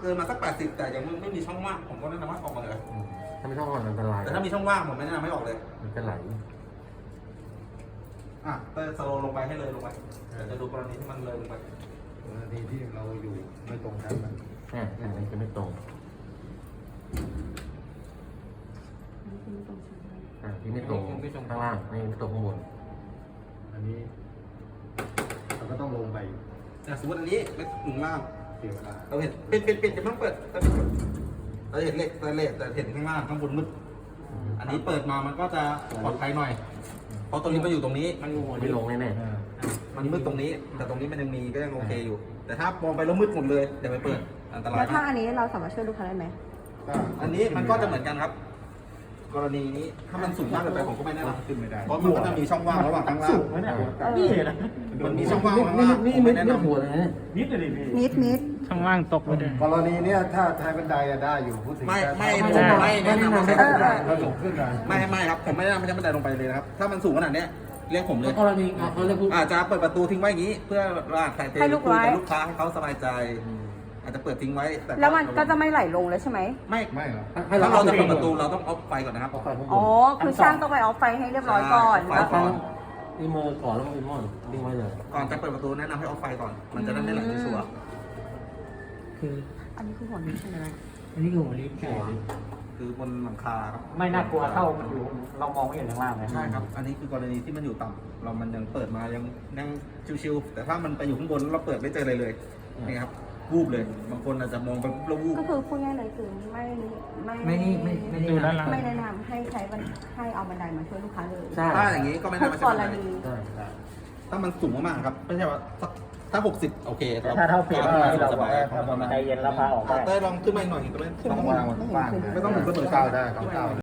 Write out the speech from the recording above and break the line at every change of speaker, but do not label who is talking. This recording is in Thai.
เกินมาสัก80แต่ยังไม่มีช่องว่างผมก็แนะนำว่าออกมาเลย
ถ้าไม่ช่องว่างอันตราย
แต่ถ้ามีช่องว่างผมไม่แนะนำให้ออกเลย
มันจะไหล
เตอร์สโลลงไปให้เลยลงไปจะดูกรณีที่มันเลยลงไป
กรณีที่เราอยู่ไม่ตรงกันมัน
อันนี้จะไม่ตรงที่ไม่ตรงข้างล่างไม่ตรงข้างบน
อันนี้เราก็ต้องลงไป
สมมติอันนี้ไม่ถึงล่าง
เสียเวลา
เราเห็นปิดจะเพิ่งเปิดเราเห็นเหล็กแต่เห็นข้างล่างข้างบนมืดอันนี้เปิดมามันก็จะปลอดภัยหน่อยเพราะตรงนี้มันอยู่ตรงนี้มัน
ไม่ลงแน่
มันมืดตรงนี้ แต่ตรงนี้มันยังมีก็ยังโอเคอยู่ แต่ถ้ามองไปแล้วมืดหมดเลยเดี๋ยวไปเปิดอันตราย
แล้วถ้าม
าก
อันนี้เราสามารถช่วยลูกค้าได้ไหม
อันนี้มันก็จะเหมือนกันครับ กรณีนี้ถ้ามันสูงมากเกินไปผมก็ไม่แนะนำ
ขึ้นไม่ได้
เพราะมันก็จะมีช่องว่างระหว่างข้างล่าง
นี่นะ
มันมีช่องว่างข้าง
นี่
ล่าง
นี่
ผม
ไม่
ไม่แนะ
ไม่
นำ
หัวเลยนะ
นิดเลยพี่
นิด
ช่องว่างตกไปเลย
กรณีเนี้ยถ้าท้ายบันไดอะได้อยู่พูดถึง
ไม่
แต่
ผมไม่แนะนำให้
เราสูงขึ้นนะ
ไม่ครับผมไม่แนะนำให้บันไดลงไปเลยนะครับ ถ้ามันสูงขนาดเนี้ยเรียกผมเลย
กรณีเขาเรียก
อาจจะเปิดประตูทิ้งไว้อย่างนี้ เพื่อว่าใครคุยกับลูกค้าให้เขาสบายใจ อาจจะเปิดทิ้งไว้แต่
แล้วมันก็จะไม่ไหลลงแล้วใช่ไหม
ไม่หรอก
ให้
ถ้า
เรา
เราจะเปิดประตูเราต้องออฟไฟก่อนนะครับ
เอาไฟข้างบ
อ๋อ
น
คือช่างต้องไปออฟไฟให้เรียบร้อยก่อน
ไฟ
แล้ว
ก่อน
อีเมอร์ก่อนแล้วอีมอนดิ้งไว้เลย
ก่อนจะเปิดประตูแนะนำให้ออฟไฟก่อน มันจะได้ไม่ไหลไปชัวร์
คือ
อันนี้คือหัวนี้ใช่ไหม
อันนี้คือหัวลิฟต์
คือบนหลังคาครับ
ไม่น่ากลัวเท่ามันอยู่เรามองไม่เห็นข้างล่างเลย
ใช่ครับ อันนี้คือกรณีที่มันอยู่ต่ำเรามันยังเปิดมายังชิวๆแต่ถ้ามันไปอยู่ข้างบนเราเปิดไม่เจออะไรเลยนี่ครับวูบเลย บางคนอาจจะมองไปแล้ววูบ
ก็คือพูดง่ายเลยคือไม่
ดูด้านหลัง
ไม่แนะนำให้ใช้ให้เอาบันไดมาช่วยลูกค้าเลย
ใช่
ถ้าอย่างนี้ก็ไม่
ทุ
น่าก มา
ก
ใช้
ร
บันได
ณี
ใช่
ถ้ามันสูงมากๆครับไม่ใช่ว่าถ้า60โอเค
ถ้าเท่าเพียงที่เรา
ส
บอก
บาย
ว่าใจเย็นแล้วพาออกได้
เต้ยลองขึ้นมาอีกหน่อยก็ไม่
ต้องวางบนบ้าน
ไม่ต้องถึงเสมอ
ก้าวได้ก้าว